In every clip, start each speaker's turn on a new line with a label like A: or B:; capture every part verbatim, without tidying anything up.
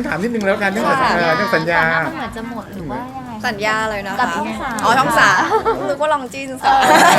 A: ฉันถามนิดนึงแล้วกันเรื่องสัญญาเรื่องสัญญา
B: มันเหมือนจะหมดหรือว่ายังไง
C: สัญญาเลยนะคะ
B: กับช่องสาม
C: อ๋อช่องสามนึกว่าลองจีนสาม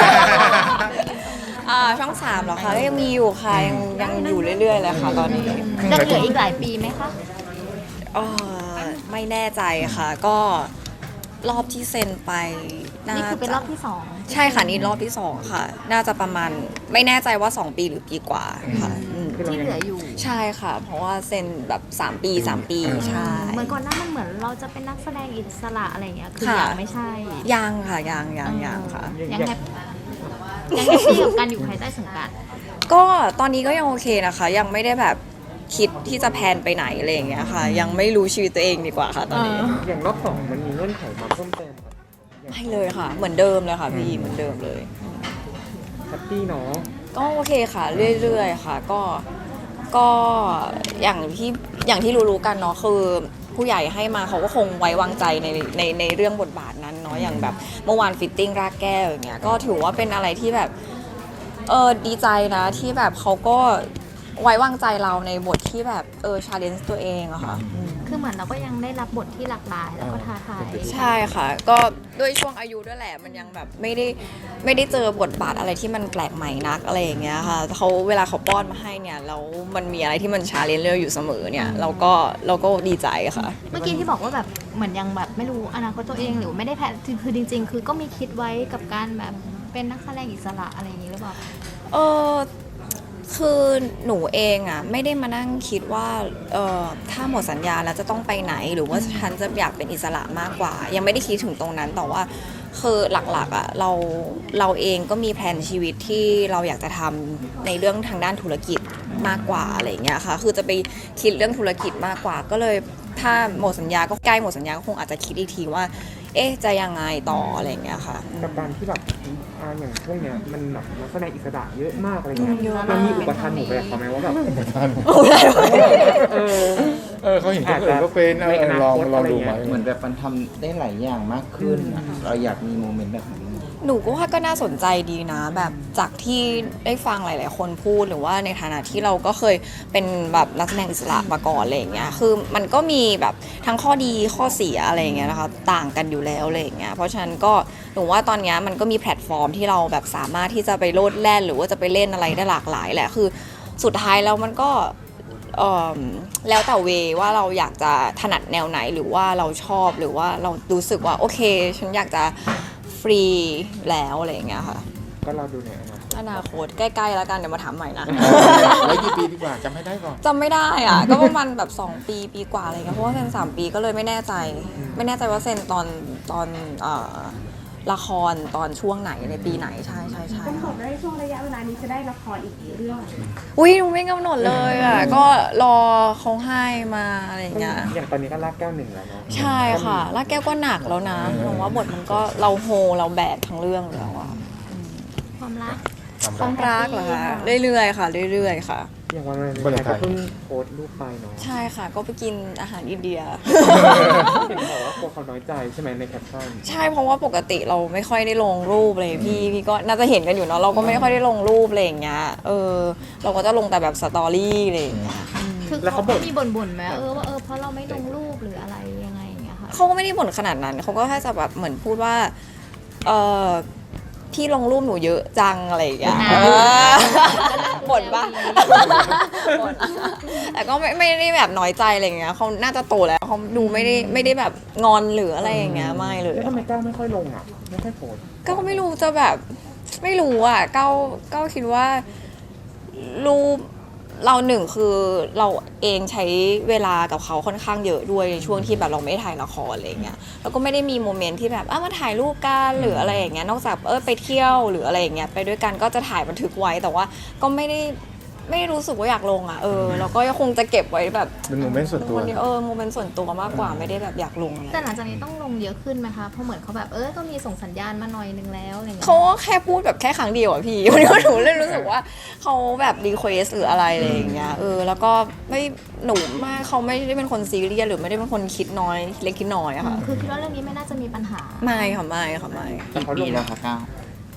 C: อ่าช่องสามเหรอคะก็ยังมีอยู่ค่ะยังยังอยู่เรื่อยๆเลยค่ะตอนนี้
B: จะเหลืออีกหลายปีไหมคะ
C: เอ่อไม่แน่ใจค่ะ ก็รอบที่เซ็นไปน่า
B: นี่คือเป็นรอบ
C: จะ
B: ที่สอง
C: ใช่ค่ะนี่รอบที่สองค่ะ น่าจะประมาณไม่แน่ใจว่าสองปีหรือปีกว่าค่ะอืม
B: ที่เหลืออยู่
C: ใช่ค่ะ เพราะว่าเซ็นแบบสามปีสามปีใช่
B: เหมือนก่อนหน้ามันเหมือนเราจะเป็นนักแสดงอิสระอะไรอย่างเงี้ยคือ
C: ค่ะ
B: ยังไม่ใช่
C: ยังค่ะยังยังยังค่ะ
B: ยังแฮปยังแฮปปี้กับการอยู่ภายใต้สังกัด
C: ก็ตอนนี้ก็ยังโอเคนะคะ ยังไม่ได้แบบคิดที่จะแพลนไปไหนอะไรอย่างเงี้ยค่ะ ยังไม่รู้ชีวิตตัวเองดีกว่าค่ะตอนนี้
D: อย่างรอบสองมันมีเงื่อนไขมาเพิ่มเติมครับ
C: ไม่เลยค่ะ เหมือนเดิมเลยค่ะพี่เหมือนเดิมเลย
D: แฮปปี้เนาะ
C: ก็โอเคค่ะ เรื่อยๆค่ะ ก็ก็อย่างที่อย่างที่รู้ๆกันเนาะคือผู้ใหญ่ให้มาเขาก็คงไว้วางใจในในในเรื่องบทบาทนั้นเนาะอย่างแบบเมื่อวานฟิตติ้งรากแก้วอย่างเงี้ยก็ถือว่าเป็นอะไรที่แบบเออดีใจนะที่แบบเขาก็ไว้วางใจเราในบทที่แบบเออชาเลนจ์ตัวเองอะค่ะ
B: คือเหมือนเราก็ยังได้รับบทที่หลากหลายแล้วก็ท้าทาย
C: ใช่ค่ะ ก็ด้วยช่วงอายุด้วยแหละมันยังแบบไม่ได้ไม่ได้เจอบทบาทอะไรที่มันแปลกใหม่นักอะไรอย่างเงี้ยค่ะเขาเวลาเขาป้อนมาให้เนี่ยแล้วมันมีอะไรที่มันชาเลนจ์เราอยู่เสมอเนี่ยเราก็เราก็ดีใจค่ะ
B: เมื่อกี้ที่บอกว่าแบบเหมือนยังแบบไม่รู้อนาคตตัวเองหรือไม่ได้แพลนคือจริง ๆ คือก็มีคิดไว้กับการแบบเป็นนักแสดงอิสระอะไรอย่างนี้หรือเปล่า
C: เออคือหนูเองอ่ะไม่ได้มานั่งคิดว่าเออถ้าหมดสัญญาแล้วจะต้องไปไหนหรือว่าฉันจะอยากเป็นอิสระมากกว่า ยังไม่ได้คิดถึงตรงนั้นแต่ว่าคือหลักๆอ่ะเราเราเองก็มีแผนชีวิตที่เราอยากจะทำในเรื่องทางด้านธุรกิจมากกว่าอะไรอย่างเงี้ยค่ะคือจะไปคิดเรื่องธุรกิจมากกว่า ก็เลยถ้าหมดสัญญาก็ใกล้หมดสัญญาก็คงอาจจะคิดอีกทีว่า เอ๊ะจะยังไงต่ออะไรอย่างเงี้ยค่ะ
D: กับการที่แบบอ่าอย่างช่วงเนี้ยมันแบบนักแสดงอิสระเยอะมากอะไรเงี้ย
C: เยอะมาก
D: มันมีอุปทานหนูไปกับเขาไหมว่าแบบ
C: โอ้ได้
D: เออ
A: เออเขาเห็นคนอื่นก็เป็นเออลองลองดูไหม
E: เหมือนแบบมันทำได้หลายอย่างมากขึ้นอะเราอยากมีโมเมนต์แบบนี้
C: หนูก็ว่าก็น่าสนใจดีนะ แบบจากที่ได้ฟังหลาย ๆ คนพูดหรือว่าในฐานะที่เราก็เคยเป็นแบบนักแสดงอิสระมาก่อนอะไรอย่างเงี้ยคือมันก็มีแบบทั้งข้อดีข้อเสียอะไรอย่างเงี้ยนะคะต่างกันอยู่แล้วอะไรอย่างเงี้ยเพราะฉะนั้นก็หนูว่าตอนเนี้ยมันก็มีแพลตฟอร์มที่เราแบบสามารถที่จะไปโลดแล่นหรือว่าจะไปเล่นอะไรได้หลากหลายแหละคือสุดท้ายแล้วมันก็เอ่อแล้วแต่เวว่าเราอยากจะถนัดแนวไหนหรือว่าเราชอบหรือว่าเรารู้สึกว่าโอเคฉันอยากจะฟรีแล้วอะไรอย่างเงี้ยค่ะ
D: ก็เราดูในอนาคต
C: อนาคตใกล้ๆแล้วกันเดี๋ยวมาถามใหม่นะ
A: ไว้กี่ปีดีกว่าจำไม่ได้ก่อน
C: จำไม่ได้อ่ะ ก็ประมาณแบบสองปีปีกว่าอะไรเงี้ยเพราะว่าเซ็นสามปีก็เลยไม่แน่ใจ ไม่แน่ใจว่าเซ็นตอนตอนเอ่อละครตอนช่วงไหนในปีไหนใช่ใช่ใช่
F: กำหนดได้ช่วงระยะเวลานี้จะได้ละครอีกกี่เรื่อง
C: อุ้ยหนูไม่กำหนดเลยอ่ะ ก็รอเขาให้มาอะไรอย่างเงี้ย
D: อย่างตอนนี้ก็ลากแก้วหนึ่งแล้วเนาะ
C: ใช่ค่ะแล้วแก้วก็หนักแล้วนะหนูว่าบทมันก็เราโฮเราแบกทั้งเรื่องแล้วอะ
B: ความรัก
C: ความรักเหรอคะเรื่อยๆค่ะ เรื่อยๆค่ะ
D: อย่างวัน
A: วัน
D: นี้
A: วาเลนไท
D: ก็
A: น์
D: เพิ่งโพสต์รูปไปเนาะ
C: ใช่ค่ะ ก็ไปกินอาหารอินเดีย
D: เห็นบอกว่ากลัวเขาน้อยใจใช่ไหมในแคปชั่น
C: ใช่เพราะว่าปกติเราไม่ค่อยได้ลงรูปเลยพี่พี่ก็น่าจะเห็นกันอยู่เนาะเราก็ไม่ค่อยได้ลงรูปอะไรอย่างเงี้ยเออเราก็จะลงแต่แบบสตอรี่อะไรอย่างเงี้ย
B: คือ
D: แล้ว
B: เขา
D: เขาบ่น
B: มีบ่นๆไหมเออว่าเออเพราะเราไม่ลงรูปหรืออะไรยังไงอย่างเงี้ยค่ะ
C: เขาก็ไม่ได้บ่นขนาดนั้นเขาก็แค่จะแบบเหมือนพูดว่าเออพี่ลงรูปหนูเยอะจังอะไรอย่างเงี้ย
B: อ่า
C: เออบ่นปะบ่นแต่ก็ไม่ไม่ได้แบบน้อยใจอะไรอย่างเงี้ยเขาน่าจะโตแล้วเขาดูไม่ได้ไม่ได้แบบงอนหรืออะไรอย่างเงี้ยไม่เลย
D: แล้วทำไมก้าวไม่ค่อยลงอ่ะไม่ค่อยโพสต์
C: ก็ไม่รู้จะแบบไม่รู้อ่ะเก้าเก้าคิดว่ารูปเราหนึ่งคือเราเองใช้เวลากับเขาค่อนข้างเยอะด้วยในช่วงที่แบบเราไม่ได้ถ่ายละครอะไรอย่างเงี้ยแล้วก็ไม่ได้มีโมเมนต์ที่แบบอ้ามาถ่ายรูปกันหรืออะไรอย่างเงี้ยนอกจากเออไปเที่ยวหรืออะไรอย่างเงี้ยไปด้วยกันก็จะถ่ายบันทึกไว้แต่ว่าก็ไม่ได้ไม่ได้รู้สึกว่าอยากลงอ่ะเออแล้วก็คงจะเก็บไว้แบบ
A: เป็นโมเมนต์ส่วนตัว
C: คนเดียวเออโมเมนต์ส่วนตัวมากกว่าไม่ได้แบบอยากลงอะไร
B: แต่หลังจากนี้ต้องลงเยอะขึ้นไหมคะเพราะเหมือนเขาแบบเออก็มีส่งสัญญาณมาหน่อยนึงแล้วอะไรเงี้ย
C: เขาก็แค่พูดแบบแค่ครั้งเดียวอะพี่ วันนี้หนูเลยรู้สึกว่าเขาแบบรีเควสหรืออะไรอะไรอย่างเงี้ยเออแล้วก็ไม่หนูมากเขาไม่ได้เป็นคนซีเรียสหรือไม่ได้เป็นคนคิดน้อยเล็กคิดน้อยอะค่ะ
B: คือคิดว่าเรื่องนี้ไม่น่าจะมีปัญหา
C: ไม่ค่ะไม่ค่ะไม่
E: กี่ปีแล้วคะก้าว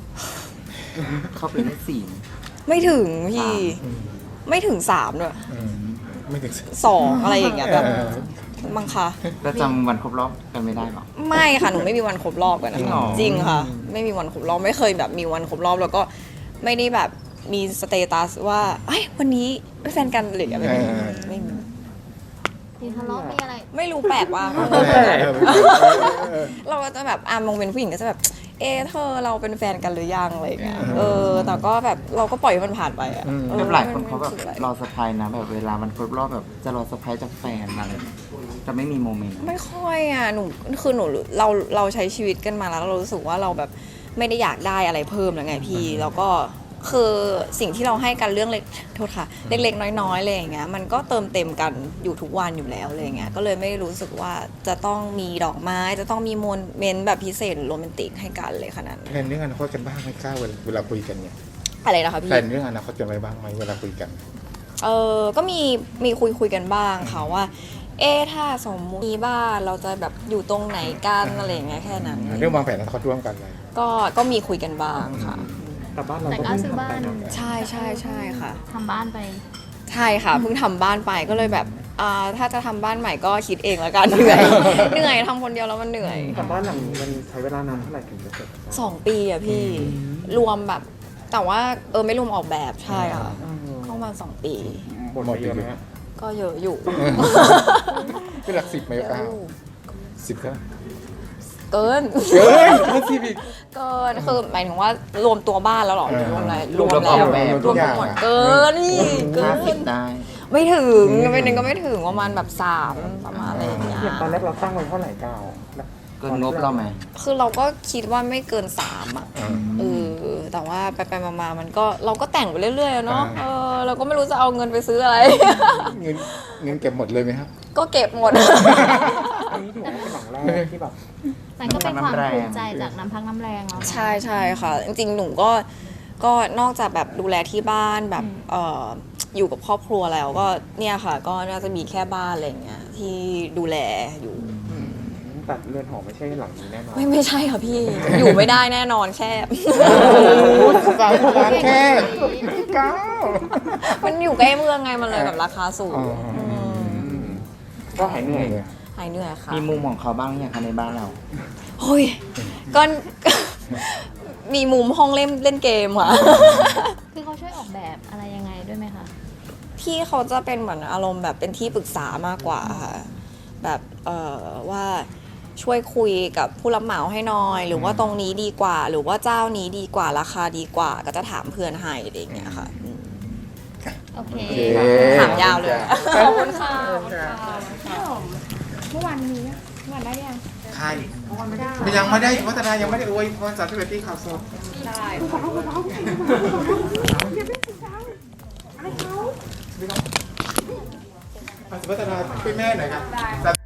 E: เข้าไปได้สี่
C: ไม่ถึงพี่ไม่ถึงสามด้วย
A: อืมไม่ถึง
C: สองอะไรอย่างเงี้ยแบบ
A: เออ
C: มั้งคะ
E: แล้วจำวันครบรอบกันไม่ได้หรอ
C: ไม่ค่ะหนูไม่มีวันครบรอบกันนะ
E: จริงเหรอ
C: จริงค่ะ ไม่มีวันครบรอบไม่เคยแบบมีวันครบรอบแล้วก็ไม่ได้แบบมีสเตตัสว่าเอ้ยวันนี้เป็นแฟนกันหรืออะไรไม่มี
A: เออ
C: ไม่มี
B: มีทะเลาะมีอะไร
C: ไม่รู้แปลกว่า
A: เออเออเออ
C: เราก็จะแบบอ่ะมองเป็นผู้หญิงก็จะแบบ เอะเธอเราเป็นแฟนกันหรือยังอะไรอย่างเงี้ยเออ แต่ก็แบบเราก็ปล่อยให้มันผ่านไปอ่ะ
A: อืม
C: เออ
E: แบบหลายคนเขาแบบ
C: ไม่รู้สึกอะไร
E: รอเซอร์ไพรส์นะแบบเวลามันครบรอบแบบจะรอเซอร์ไพรส์จากแฟนอะไรจะไม่มีโมเมนต์
C: ไม่ค่อยอ่ะหนูคือหนูเราเราใช้ชีวิตกันมาแล้วเรารู้สึกว่าเราแบบไม่ได้อยากได้อะไรเพิ่มแล้วไงพี่แล้วก็คือสิ่งที่เราให้กันเรื่องเล็กโทษค่ะเล็กๆน้อยๆอะไรอย่างเงี้ยมันก็เติมเต็มกันอยู่ทุกวันอยู่แล้วอะไรอย่างเงี้ยก็เลยไม่รู้สึกว่าจะต้องมีดอกไม้จะต้องมีโมเมนต์แบบพิเศษหรือโรแมนติกให้กันเลยขนาดนั้น
A: แพลนเรื่องอนาคตกันบ้างไหมก้าวเวลาเวลาคุยกันเนี่ย
C: อะไรนะคะพี่
A: แพลนเรื่องอนาคตกันไว้บ้างไหมเวลาคุยกัน
C: เออก็มีมีคุยคุยกันบ้างค่ะว่า เอ๊ะถ้าสมมติมีบ้านเราจะแบบอยู่ตรงไหนกันอะไรอย่างเงี้ยแค่นั้น
A: เรื่องวางแผนอนาคตร่วมกันเลย
C: ก็ก็มีคุยกันบ้างค่ะ
D: แต่บ้านเรา
B: แต่ก็ซื้อบ้าน
C: ใช่ใช่ใช่ค่ะ
B: ทำบ้านไป
C: ใช่ค่ะเพิ่งทำบ้านไปก็เลยแบบอ่าถ้าจะทำบ้านใหม่ก็คิดเองแล้วกันเหนื่อย เหนื่อยทำคนเดียวแล้วมันเหนื่อย
D: แต่บ้านหลังนี้มันใช้เวลานานเท่าไหร่ถึงจะเสร็จ
C: สองปีอะพี่รวมแบบ แต่ว่าเออไม่รวมออกแบบใช่ค่ะเข้ามาสองปี
D: หมดไปเยอะไหมฮะ
C: ก็เยอะอยู่
A: เป็นหลักสิบไหมก้าวสิบก็
C: เกิน
A: เกินเกินสิบอีก
C: เกินคือหมายถึงว่ารวมตัวบ้านแล้วเหรอ
A: เออ
C: รวมอะไร
E: รวมแล้ว
C: แล้ว
E: ออกแบบ
C: รวมทั้งหมดเกินนี่เกิ
E: ห้าสิบ
C: น
E: ได้
C: ไม่ถึงไม่นึงก็ไม่ถึงประมาณแบบสามประมาณอะไรอย่างเงี้ย
D: อย่างตอนแรกเราตั้งไว้เท่าไหร่ก้าวแล้ว
E: เกินงบเราไหม
C: คือเราก็คิดว่าไม่เกินสามอ่ะ
A: อ่า
C: เออแต่ว่าไปไปๆมาๆมันก็เราก็แต่งไปเรื่อยๆอะเนาะ
A: อ่า
C: เออเราก็ไม่รู้จะเอาเงินไปซื้ออะไร
A: เงินเงินเก็บหมดเลยไหมครับ
C: ก็เก็บหมด
D: อันนี้ถือว่าเป็นหลังแรกที่แบบ
B: แต่ก็เป็นความภูมิใจจากน้ำพักน้ำแรงเรา
C: ใช่ใช่ค่ะ จริงๆ หนูก็ก็นอกจากแบบดูแลที่บ้านแบบเอ่ออยู่กับครอบครัวแล้วก็เนี่ยค่ะ ก็น่าจะมีแค่บ้านอะไรอย่างเงี้ยที่ดูแลอยู่
D: แต่เรือนหอไม่ใช่หลังนี้แน่นอน
C: ไม่ไม่ใช่ค่ะพี่ อยู่ไม่ได้แน่นอนแคบ
A: สามล้านแค่ก้าว
C: มันอยู่ใกล้เมืองไงมันเลยแบบราคาสูง
A: อ๋ออื
C: ม
D: ก็หายเหนื่อย
C: หายเหนื่อยค่ะ
E: มีมุมของเขาบ้างอย่างคะในบ้านเรา
C: เฮ้ยก็ มีมุมห้องเล่นเล่นเกมค่ะ
B: คือเขาช่วยออกแบบอะไรยังไงด้วยไหมคะ
C: พี่เขาจะเป็นเหมือนอารมณ์แบบเป็นที่ปรึกษามากกว่าค่ะแบบเอ่อว่าช่วยคุยกับผู้รับเหมาให้หน่อย หรือว่าตรงนี้ดีกว่า หรือว่าเจ้านี้ดีกว่าราคาดีกว่า ก็จะถามเพื่อนให้อะไรอย่างเงี้ยค่ะอืม
B: โอเค
A: โอเค
C: ถามยาวเลยขอบคุณค่ะ
F: เมื่อวานนี้อะเมื่อวานได้ยัง
A: ใครยังไม่ได้วัฒนายังไม่ได้อวยพรสามสิบเอ็ดปีข่าวสด
C: ได้
A: วัฒนาช่วยแม่หน่อยครับ